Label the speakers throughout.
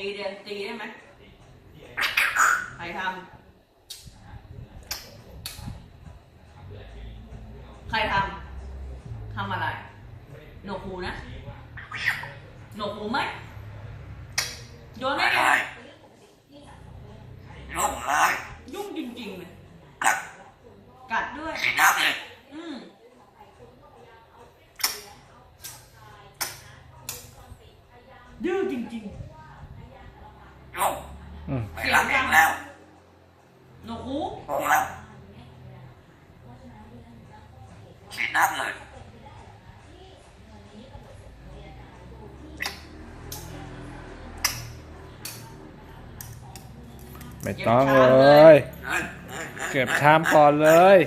Speaker 1: เดี๋ยวตีได้ไหมใครทำทำอะไรหนวกหูนะหนวกหูไหมโยนได้ไง
Speaker 2: ยุ่งเลย
Speaker 1: ยุ่งจริงๆเลย
Speaker 2: กัด
Speaker 1: กัดด้วย
Speaker 2: สีน้ำเลย
Speaker 1: ดื้อจริง
Speaker 2: ยุ่ง
Speaker 1: ๆ
Speaker 2: ไม่รักเองแล้ว
Speaker 1: หนวกหู
Speaker 2: งงแล้วสีน้ำเลย
Speaker 3: ไม่ต้องเลย เก็บชามก่อนเลย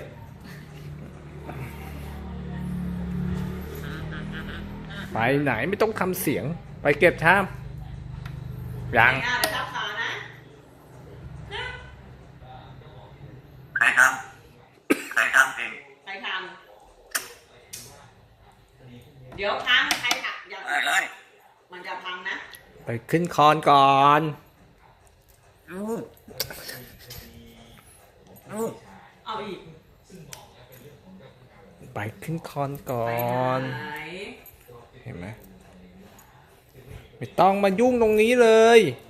Speaker 3: ไปไหนไม่ต้องทำเสียง ไปเก็บชามยัง
Speaker 1: ไปทับขานะ
Speaker 2: ใครทำเอง
Speaker 1: ใครทำเดี๋ยวพังใครหักอย่า
Speaker 2: เลย
Speaker 1: มันจะพังนะ
Speaker 3: ไปขึ้นคอนก่อน
Speaker 1: เอาอีก
Speaker 3: ไปขึ้นคอนก่อ
Speaker 1: ไป
Speaker 3: น
Speaker 1: ไหน
Speaker 3: เห็นไหมไม่ต้องมายุ่งตรงนี้เลย